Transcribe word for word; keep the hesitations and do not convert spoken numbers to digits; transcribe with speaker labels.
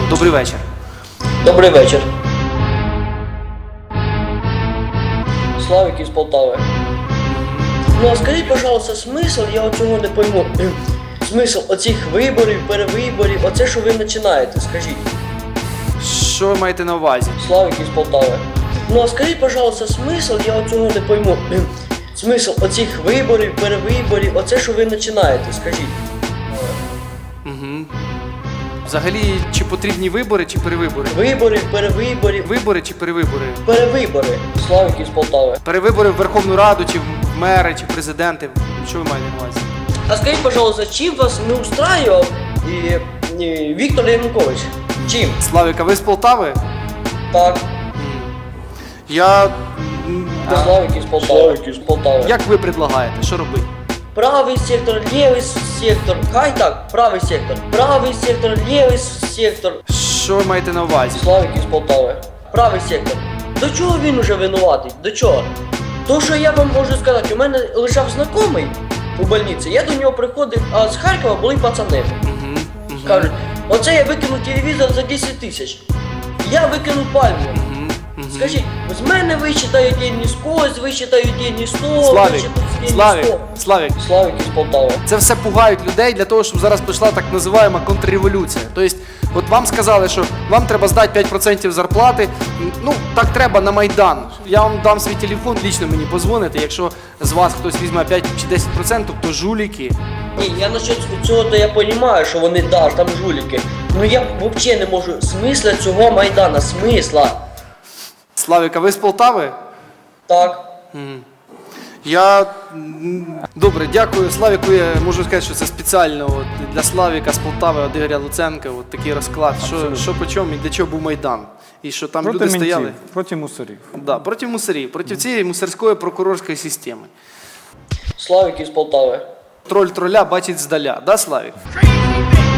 Speaker 1: Добрий вечір.
Speaker 2: Добрий вечір. Славик із Полтави. Ну а скажіть, пожалуйста, смисл, я оцього не пойму. Смисл оцих виборів, перевиборів, оце що ви починаєте, скажіть.
Speaker 1: Що ви маєте на увазі?
Speaker 2: Славик із Полтави. Ну а скажіть, пожалуйста, смисл, я оцього не пойму. Смисл оцих виборів, перевиборів, оце що ви починаєте, скажіть.
Speaker 1: Угу. Взагалі, чи потрібні вибори, чи перевибори?
Speaker 2: Виборів, перевиборів,
Speaker 1: Вибори чи перевибори?
Speaker 2: перевибори. Славик із Полтави.
Speaker 1: Перевибори в Верховну Раду, чи в мери, чи президенти. Що ви маєте на увазі?
Speaker 2: А скажіть, пожалуйста, чим вас не устраював і, і Віктор Янукович? Чим?
Speaker 1: Славік, а ви з Полтави?
Speaker 2: Так.
Speaker 1: Я... м,
Speaker 2: А Славик із Полтави. Славик із Полтави.
Speaker 1: Як ви предлагаєте? Що робити?
Speaker 2: Правий сектор, лівий сектор. Хай так, правий сектор. Правий сектор, лівий сектор.
Speaker 1: Що ви маєте на увазі?
Speaker 2: Славик із Полтави. Правий сектор. До чого він уже винуватий? До чого? То, що я вам можу сказати, у мене лежав знайомий у больниці, я до нього приходив, а з Харкова були пацани.
Speaker 1: Угу. Угу.
Speaker 2: Кажуть, оце я викинув телевізор за десять тисяч. Я викинув пальму.
Speaker 1: Угу. Угу.
Speaker 2: Скажіть, з мене вичитають деньги з когось, вичитають деньги з того,
Speaker 1: Славік,
Speaker 2: вичитають деньги з
Speaker 1: Славік,
Speaker 2: того.
Speaker 1: Славік.
Speaker 2: Славик із Полтави.
Speaker 1: Це все пугають людей для того, щоб зараз прийшла так називаємо контрреволюція. Тобто, от вам сказали, що вам треба здати п'ять відсотків зарплати, ну, так треба на Майдан. Я вам дам свій телефон, лічно мені позвоните, якщо з вас хтось візьме п'ять чи десять відсотків, то жуліки.
Speaker 2: Ні, я насчет цього, то я розумію, що вони, да, там жуліки. Ну я взагалі не можу смисла цього Майдана, смисла.
Speaker 1: Славік, а ви з Полтави?
Speaker 2: Так.
Speaker 1: Мгм. Я... м, Добре, дякую. Славіку я можу сказати, що це спеціально от, для Славіка з Полтави, від Ігоря Луценка, от такий розклад, що, що по чому і для чого був Майдан. І що там
Speaker 3: Проти
Speaker 1: люди
Speaker 3: ментів,
Speaker 1: стояли.
Speaker 3: проти мусорів.
Speaker 1: Да, проти мусорів, проти цієї мусорської прокурорської системи.
Speaker 2: Славик із Полтави.
Speaker 1: Троль троля бачить здаля, да, Славік?
Speaker 4: Crazy thing.